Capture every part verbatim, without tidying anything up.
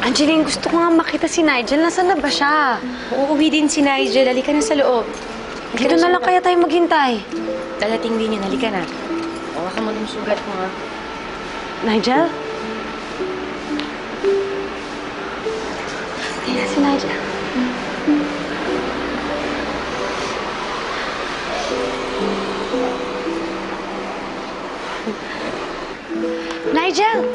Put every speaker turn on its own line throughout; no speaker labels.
Angeline, gusto ko nga makita si Nigel. Nasaan na ba siya?
Uuwi din si Nigel. Halika na sa loob.
Dito na lang kaya tayo maghintay.
Dalating din yun. Halika na. Huwag ka mo ng sugat mo, ha?
Nigel? Ayan na si Nigel. Nigel!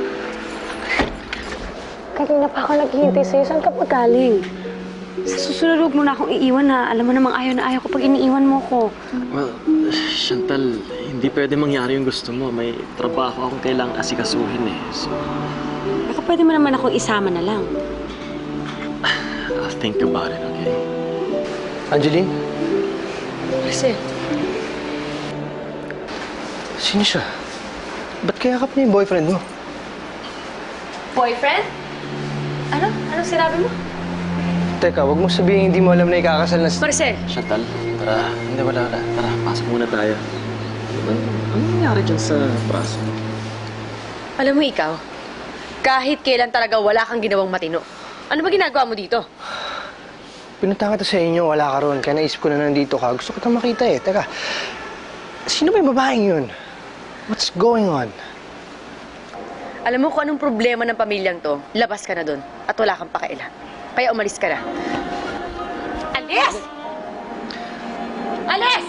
Kanina pa ako naghihintay sa'yo. Saan ka pa galing? Sa susunod, huwag mo na akong iiwan na. Alam mo namang ayaw na ayaw ko pag iniiwan mo ko.
Well, Chantal, hindi pwede mangyari yung gusto mo. May trabaho akong kailangang asikasuhin eh. So,
Baka pwede mo naman akong isama na lang.
I'll think about it, okay?
Angeline?
Marcel.
Sino siya? Ba't kayakap niya yung boyfriend mo?
Boyfriend? Ano? Anong sinabi mo?
Teka, wag mo sabihin hindi mo alam na ikakasal na...
Marcel!
Chantal, tara. Hindi, wala na. Tara, pasok muna tayo. Ano, ano nangyari dyan sa braso mo?
Alam mo ikaw, kahit kailan talaga wala kang ginawang matino. Ano ba ginagawa mo dito?
Pinunta ka to sa inyo, wala ka ron. Kaya naisip ko na nandito ka. Gusto ko itong makita eh. Teka, sino ba yung babaeng yun? What's going on?
Alam mo kung anong problema ng pamilyang to, labas ka na doon at wala kang pakailan. Kaya umalis ka na. Alis! Alis!